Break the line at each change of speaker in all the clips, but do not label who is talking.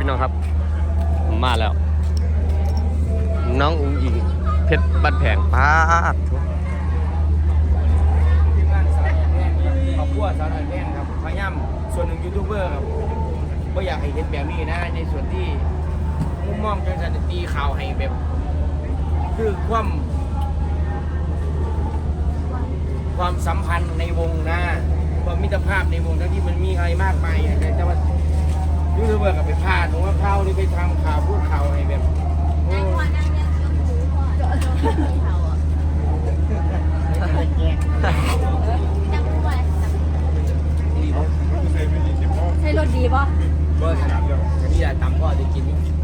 พี่น้องครับมาแล้วน้องอุ๋งอิงเพชรบ้านแพงป้าด
ขอบคุณสาวน้อยแพงครับพยายามส่วนหนึ่งยูทูบเบอร์ครับก็อยากให้เห็นแบบนี้นะในส่วนที่มุมมองจังสันตีข่าวให้แบบคือความสัมพันธ์ในวงนะความมิตรภาพในวงทั้งที่มันมีอะไรมากมายแต่ว่ายูทูบเบอร์กับไปพลาดหรือว่าเข้าหรือไปทำข่าวพูดข่าวอะไรแบบ
นั่งเลี้ยงชมพูพ่อเขาอ่ะนั่งคู่อะไรใช่รถดีป่ะ
ก็ที่จะตำก็จะกิน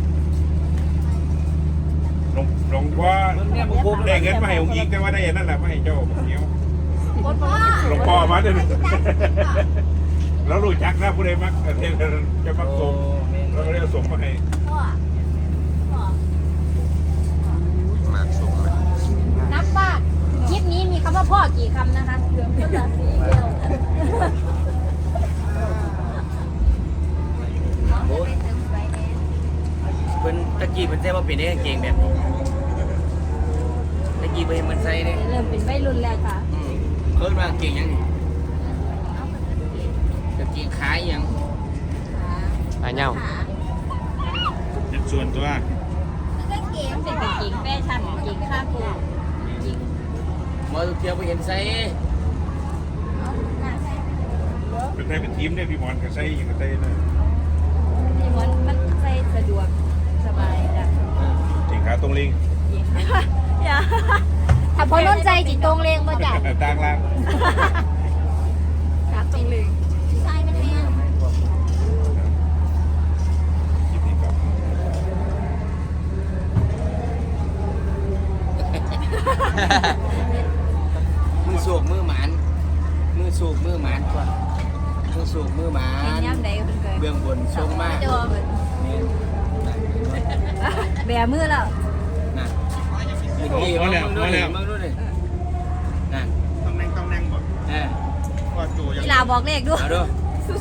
หลวงพ่อได้เงินมาให้องค์อีกแต่ว่าได้นั่นแหละมาให้เจ้าเนี้ยหลวงพ่อมาเด้อแล้วรู้จักนะผู้ใดมักเทพจะมักส่งเราก็เลยส่งมาให้
มาส่งเลย
นับว่าคลิปนี้มีคำว่าพ่อกี่คำนะคะเหลืองก็เหลือสีเดียว
เป็นตะกี้เป็นเส้นว่าเป็นได้เก่งแบบนี้ตะกี้เป็นมันใส่เนี่ย
เริ่มเป็นวัยรุ่นแล้วค่ะ
เพิ่มมาเก่งยังจะเก่งขายยัง
ไปเน่า
ส่วนตัว
ก็เก่งเป็นเก่งแฟชั่นเก่งข้าปูเก่ง
มาเที่ยวไปเห็นใส่
เป็นไทยเป็นทีมเนี่ยพี่บอลกับไส้ยังกับไส้เลย
ที่มันใส่สะดวกสบายจ้ะ
จริงขาตรงลิง
อย่าถ้าพอน้นใจจิตตรงเลงมาจ้ะ
ต่างล่าง
ครับตรงเลงใช่มันแห้ง
มือสูบมือหมานมือสูบมือหมานก่อนมือสูบมือหมานเบื้องบนทรงมาก
แบมือแล้ว
น่ะมาแล้วมาดูเลยน่ะ
ต้องนั่งหมดก็จู
กีฬาบอกเลขด้วยสู้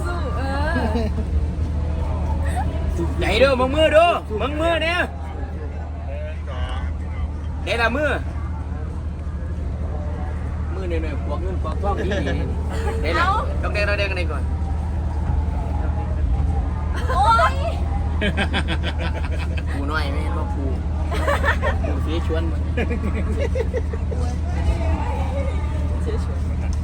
ใหญ่ด้วยมึงมือดูมึงมือเนี่ยเดี๋ยวละมือเนี่ยพวกเงินพวกทองนี่เดี๋ยวต้องแดงกันก่อน
โอ้ย
ปูน้อยไม่เห็นว่าปูเสียชวนมัน
เสียชวน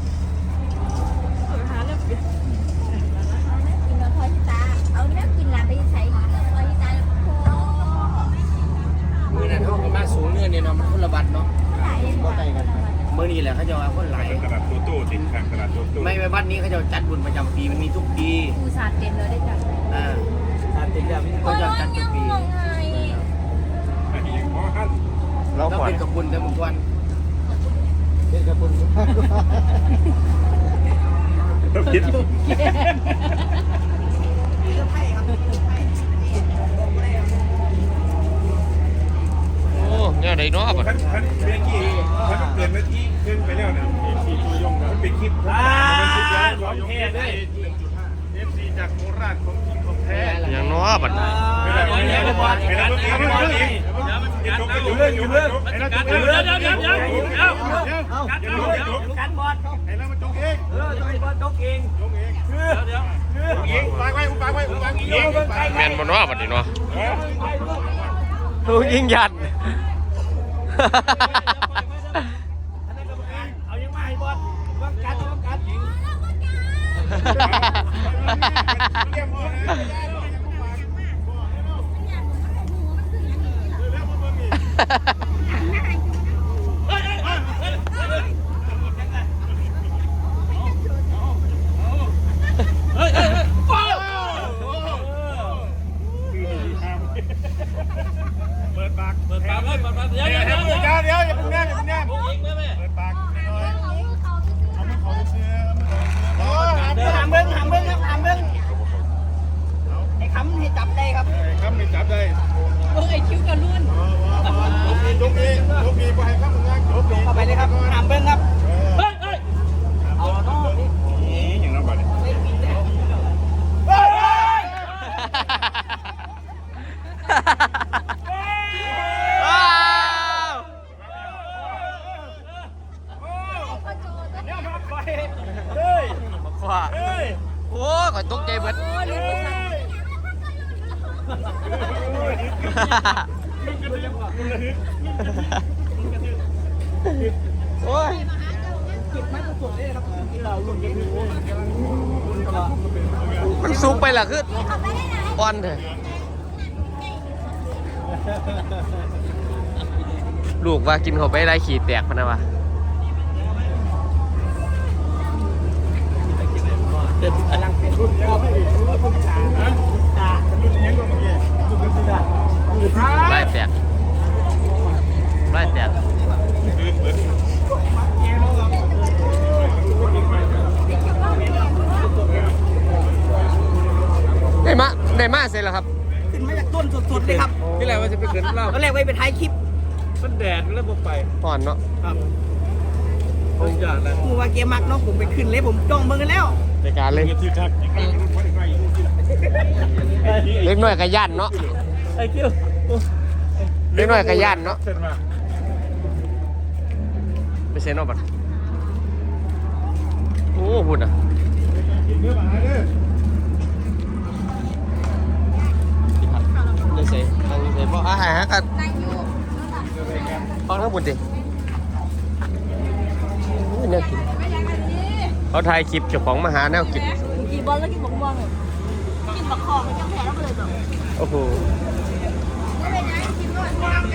หาเรื่องกินแล้วพอที่ตาเอาเรื่องกินหลานไปใช้พอที่ตา
มือนั้นเขามาสูงเนี่ยเนาะมันคนละบัตรเนาะเมื่อนี้แหละเขาจะว่าคนหลาย
ตลาดโตโต้ติดทางตลาดโตโต้
ไม่บัตรนี้เขาจะจัดบุญประจำปีมันมีทุกปี
ปูสาดเต็มเลยได้จ้ะ
สาดเต็มแล้วมีคนจัดทุกปีเราเป็นกับบุญกันทุกวันเป็นกับบุญ
คิด
โอ้เนี่ยได้เนาะบ่
ท่านเบกกี้ท่านเกิดนาทีขึ้นไปแล้วเนี่ยมันเป็นคลิปมันคลิปแล้วของแท้ได้1.5 FC จากโคราชของจริงของแท้
อย่างเนาะบัดนี้
ไม่ได้อยู่เรื่องไอ้นั่นเดี๋ยว
กันบอล
ไอ้นั่นมันจงเอง
ต้องให้บอลจกเอง
เดี๋ยวปากไว้
แม่นบ่เนาะบัดนี้เนาะลูกยิงยัน
เอายังมาให้บอลต้องการยิง
เปิดปากเดี๋ยวอย่าเพิ่งแนบเปิดปากหน่อยเอามือเขาเสื้อ
หามเบิ้งไอ้คำให้จับได้ครับ
คำไม่จับได้
ไอ้คิ้วกระลุ่น
จงเองไปให้ข้ามงานจงเอง
เข้าไปเลยครับหามเบิ้งครับเอาเนาะ
นี่อย่างนั้นไปเลย
โอ้ยมันซุกไปล่ะคืออ่อนเถอะลูกว่ากินเขาไปได้ขี่แตกพะนะวะไล่แตกไล่แตกได้มาเสร็จแล้วครับ
ขึ้นมาจากต้นสดๆเลยครับ
ที่แรกว่าจะไปขึ้นเล่า
ตอนแรกไว้ไปท้ายคลิป
มันแดดแล้วผมไป
อ่อนเนาะ
ครับ
ต้องจอดแล้ว
กูว่าเกมมักเนาะผมไปขึ้นเลยผมจ้องเบิ่งกันแล้ว
ในการเลยเล็กน้อยกระย่านเนาะ
ไอ้คิว
เล็กน้อยกระย่านเนาะ
เส้นมา
ไปเซ็นเอาบัตรโอ้หุ่นอ่ะ
เนื้อหมาเด้อ
เลยเซ่ตั้งเซ่เพราะอาหารกัน
นายยู
ฟังทั้งหมดดิเนี่ยกินเขาถ่ายคลิปเจ้าของมาหาแนวกิน
กินบอลแล้วกินบักม่วงเลยกินบักคอไม่ต้องแพ้แล้วเลยแบบ
โอ้โห
ไม่เป็นไรกินก่อน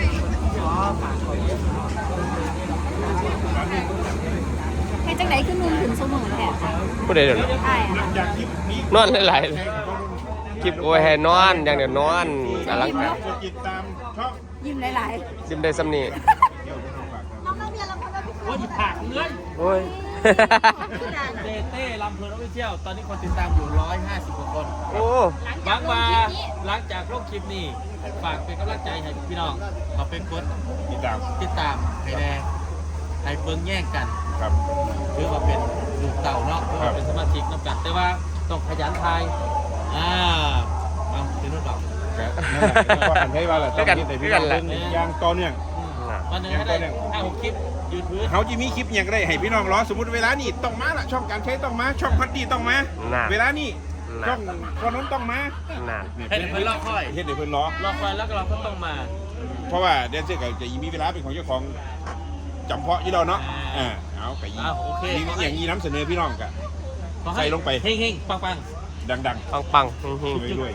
ให้จังไหนขึ้นนุ่มถึงสมองแท้
ผู้ใดเดี๋ยวนี้
ใช่
หลังจากคลิปนี้
นอนหลายๆคลิปโอ้ยให้นอนอย่างเดียวนอนอลังการ
กดติดตามช่อง
ยิ้มหลาย
ซิมได้ซ้ำนี่
เดี๋ยวไปทำฝาก
ๆน้องๆเมียเราคนละพี่
โอ้ยผักเลย
โอ้ย
เต้เต้ลำเพลินออฟฟิเชียลตอนนี้คนติดตามอยู่150กว่าคน
โอ้
หวังว่าหลังจากลงคลิปนี้ฝากเป็นกำลังใจให้พี่น้องเขาเป็นคน
ติดตาม
ติดตามให้แน่ให้เบิ่งแย่งกัน
ครับ
ถือว่าเป็นลูกเต่าเนาะถือว่าเป็นสมาชิกน้ำกันแต่ว่าต้องขยันทายเอาเป็นรุ่นเต่า
ครับก็อันให้ว่าแหละต้องคิดแต่พี่น้องเบิ่งอย่างต่อเนื่อง
วันหนึงให้ได้5-6คลิปยืนพื้น
เขาจะมีคลิปอย่างไรให้พี่น้องรอสมมติเวลานี้ต้องมาละช่องการใช้ต้องมาช่องพัดดีต้องมา
น่า
เวลานี้ช่องคนนั้นต้องมา
น่า
ให้เดี๋ยวเพิ่นรอคอย
เฮ็ดเดี๋ยวเพิ่นรอ
รอคอยแล้วก็เราก็ต้องมา
เพราะว่าแดนเซอร์ก็จะมีเวลาเป็นของเจ้าของจำเพาะยี่เราเนาะเอาไปยี่
โอเค
อย่างนี้น้ำเสนอพี่น้องกะ
ขอ
ใส่ลงไป
เฮงๆปัง
ดัง
ปังปังๆเฮง
ๆด้วย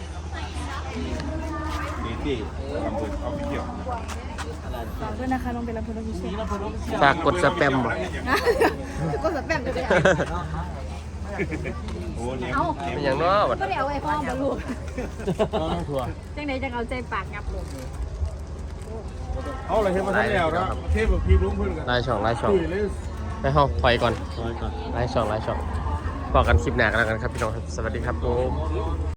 นี่ที่ลำพูนเอาไปเที่ยว
ฝากด้วยนะคะลงไปรับผลพิเศษ
ๆจากกดสแปมบ่
ก็สแปมจะได้
โอ้เนี่ย
เป็นอย่างเนาะบัด
ก็ได้เอาไอ้พ่อมาลูก
ต้องทัวร์
จังไหนจังเอาใจปากงับลง
เอาอะไรเทมาทั้งแนวนะเทแบบพี่ลุงเพื่อนกัน
ไล่ช่องให้ห้องถอยก่อนไล่ช่องบอกกันคลิปหน้ากันแล้วกันครับพี่น้องครับสวัสดีครับผม